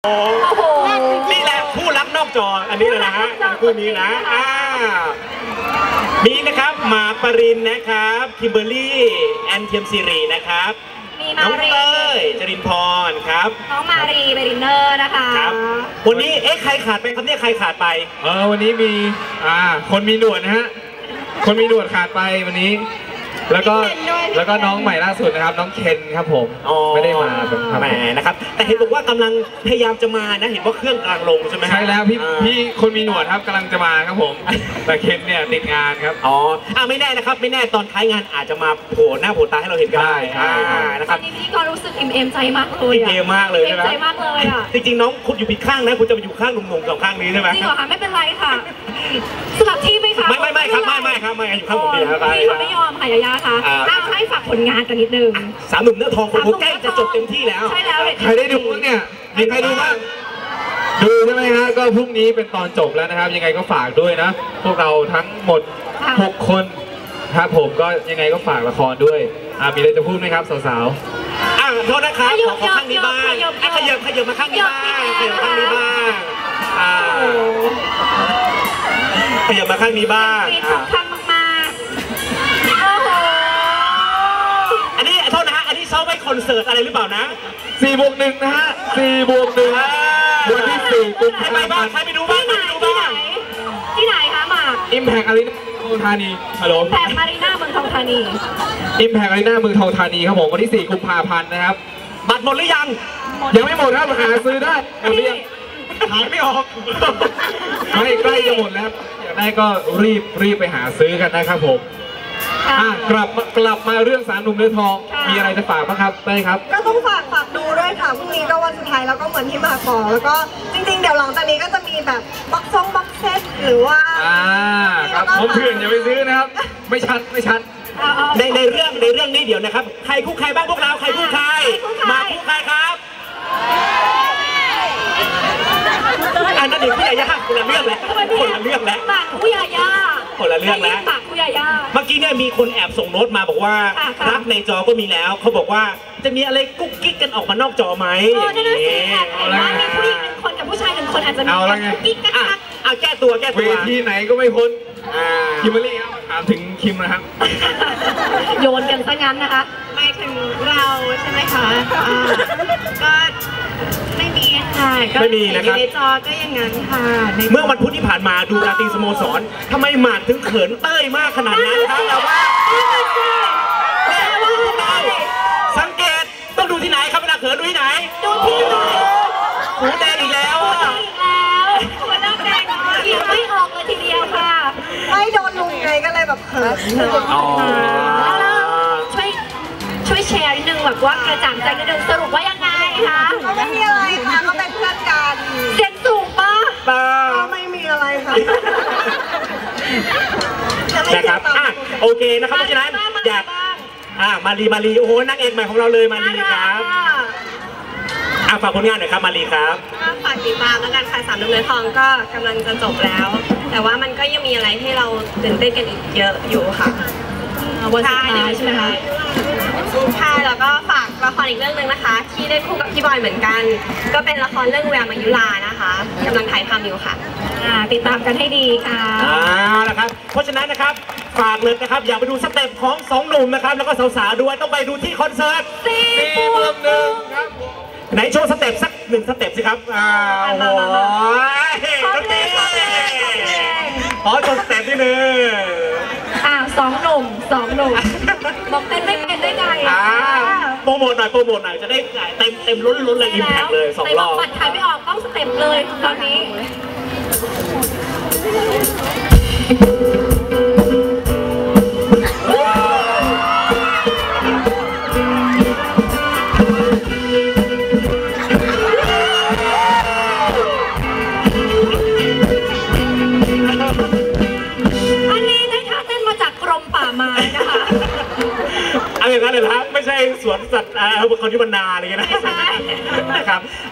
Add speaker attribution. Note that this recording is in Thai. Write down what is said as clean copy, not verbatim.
Speaker 1: โอ้โหนี่แหละคู่รักนอกจออันนี้เลยนะฮะคู่นี้นะมีนะครับหมากปรินนะครับคิมเบอร์รี่แอนเทียมซีรีนะครับน้องเต้ยจรินพรครับ
Speaker 2: น้องมารีเบรินเนอร์นะคะ
Speaker 1: ครับวันนี้ใครขาดไปครับเนี่ยใครขาดไป
Speaker 3: วันนี้มีคนมีหนวดนะฮะคนมีหนวดขาดไปวันนี้แล้วก็น้องใหม่ล่าสุดนะครับน้องเคนครับผมไม่ได้มา
Speaker 1: แหมนะครับแต่เห็นบอกว่ากำลังพยายามจะมานะเห็นว่าเครื่องกลางลงใช่ไหม
Speaker 3: ใช่แล้วพี่คนมีหนวดครับกำลังจะมาครับผมแต่เคนเนี่ยติดงานครับ
Speaker 1: ไม่แน่นะครับไม่แน่ตอนท้ายงานอาจจะมาโผล่หน้าโผล่ตาให้เราเห็นกันได้
Speaker 2: นะครับตอนนี้พี่ก็รู้สึกอิ่มใจมากเลย
Speaker 1: อิ่มมากเลย
Speaker 2: นะใจมากเลยอ่ะ
Speaker 1: จริงๆน้องคุณอยู่ผิดข้างนะคุณจะไปอยู่ข้างหนุ่มๆสองข้างนี้ใช่ไหม
Speaker 2: จริงเหรอคะไม่เป็นไรค่ะสลับที่ไหมคะ
Speaker 1: ไม่ครับไม่อยู่ข้างผมเดียวครับ
Speaker 2: พี่เขาไม่ยอมค่ะยายาค่ะให้ฝากผลงานกันนิดนึง
Speaker 1: สามหนุ่มเนื้อทองคนใกล้จะจบเต็มที่แล้ว
Speaker 2: ใช่แล้ว
Speaker 3: ใครได้ดูเนี่ยมีใครดูบ้างดูใช่ไหมฮะก็พรุ่งนี้เป็นตอนจบแล้วนะครับยังไงก็ฝากด้วยนะพวกเราทั้งหมด6 คนครับผมก็ยังไงก็ฝากละครด้วยมีอะไรจะพูดไหมครับสาว
Speaker 1: ๆโทษนะครับขอข้างนี้บ้างขยับมาข้างนี้บ้างขยับข้างนี้บ้างขยับมาข้างนี้บ้าง
Speaker 2: ข้างมา
Speaker 1: อันนี้โทษนะฮะอันนี้ซ้อมไว้คอนเสิร์ตอะไรหรือเปล่านะ
Speaker 3: 4+1นะฮะ4+1วันที่4กุมภาพันธ์
Speaker 1: ใครไปดูบ้าง
Speaker 2: ที่ไหนคะหมาก
Speaker 3: Impact Arena เมืองทองธานีฮัลโหล
Speaker 2: Impact Arena เมืองทองธานี
Speaker 3: Impact Arena เมืองทองธานีครับผมวันที่4กุมภาพันธ์นะครับ
Speaker 1: บัตรหมดหรือยัง
Speaker 3: ไม่หมดครับหาซื้อได้หมดหรือยัง
Speaker 1: ขายไม่ออก
Speaker 3: ไม่ใกล้จะหมดแล้วอยากได้ก็รีบไปหาซื้อกันนะครับผมกลับมาเรื่องสารหนุ่มเนื้อทองมีอะไรจะฝากบ้างครับได้ครับ
Speaker 4: ก็ต้องฝากดูด้วยค่ะพรุ่งนี้ก็วันสุดท้ายแล้วก็เหมือนที่มาบอกแล้วก็จริงๆเดี๋ยวหลังจากนี้ก็จะมีแบบบ็อกเซตหรือว่า
Speaker 3: ครับผมเพื่อนอย่าไปซื้อนะครับไม่ชัด
Speaker 1: ในเรื่องนี้เดี๋ยวนะครับใครคู่ใครบ้างพวกเราใครคู่ใครมาคู่ใครครับอันนั้นเด็กผู้ใหญ่ยากคนละเรื่องแล้ว
Speaker 2: ปากผู้ใหญ่ยา
Speaker 1: คนละเรื่องแล้ว
Speaker 2: ปากผู้ใหญ่ยา
Speaker 1: เมื่อกี้เนี่ยมีคนแอบส่งโน้ตมาบอกว่ารักในจอก็มีแล้วเขาบอกว่าจะมีอะไรกุ๊กกิ๊กกันออกมานอกจอไหม
Speaker 2: อย่างนี้มีผู้หญิง1 คนกับผู้ชาย 1 คนอาจจะมีกุ๊กกิ๊กกัน
Speaker 1: แก้ตัว
Speaker 3: เวทีไหนก็ไม่พ้นคิมเบอร์รี่ครับถามถึงคิมนะครับ
Speaker 2: โยนกันซะงั้นนะคะ
Speaker 4: หมายถึงเราใช่ไหมคะก็ไม่มีค่ะ
Speaker 1: ไม่มีนะครับ
Speaker 4: ในจอก็อย่างนั้นค่ะ
Speaker 1: เมื่อวันพุธที่ผ่านมาดูราตรีสโมสรทำไมหมากถึงเขินเต้ยมากขนาดนั้นครับเราว่าสังเกตต้องดูที่ไหนครับเวลาเขินดูที่ไหน
Speaker 2: ดูที่ไหน
Speaker 1: หูแดงอีกแล้ว
Speaker 2: หัวน้ำแดงยิ้มไม่ออกเลยทีเดียวค่ะ
Speaker 4: ไม่โดนลุงไงก็เลยแบบเขิน
Speaker 2: ช่วยแชร์นิดนึงแบบว่ากระจ่างใจนิดนึงสรุปว่ายังไงคะ
Speaker 4: ก็ไม่มีอะไรค่ะก็เป็นเพื่อนกัน
Speaker 2: เสียงสูงปะ
Speaker 4: ก็ไม่มีอะไรค่ะ
Speaker 1: นะครับโอเคนะครับเพราะฉะนั้นอยากมารีโอ้โหนางเอกใหม่ของเราเลยมารีครับฝากผลงานหน่อยครับมารีครับ
Speaker 4: ฝากติดตามแล้วกันค่ะสามหนุ่มเนื้อทองก็กำลังจะจบแล้วแต่ว่ามันก็ยังมีอะไรให้เราตื่นเต้นกันอีกเยอะอยู่ค่ะ
Speaker 2: วันสุดท้ายใช่ไหมคะ
Speaker 4: ใช่แล้วก็ฝากละครอีกเรื่องนึงนะคะที่ได้คู่กับพี่บอยเหมือนกันก็เป็นละครเรื่องแววมายุลานะคะกำลังถ่ายทำอยู่ค่ะ
Speaker 2: ติดตามกันให้ดีค่ะ
Speaker 1: นะครับเพราะฉะนั้นนะครับฝากเลยนะครับอยากไปดูสเต็ปของ2 หนุ่มนะครับแล้วก็สาวๆด้วยต้องไปดูที่คอนเสิร์ต
Speaker 3: 4+1ครับ
Speaker 1: ไหนโชว์สเต็ปสัก1 สเต็ปสิครับโอ้โหขอโชว์สเต็ปนิดนึง
Speaker 2: 2 หนุ่มบอกเต้นไม่เป็นได้ไง
Speaker 1: โปรโมทหน่อยจะได้เต็มล้นเลยอิมแพคเลย2 รอบ
Speaker 2: บัตรขายไม่ออกต้องสเต็ปเลยตอนนี้
Speaker 1: อย่างนั้นเลยครับไม่ใช่สวนสัตว์คนที่บรรณาอะไรเงี้ยนะครับ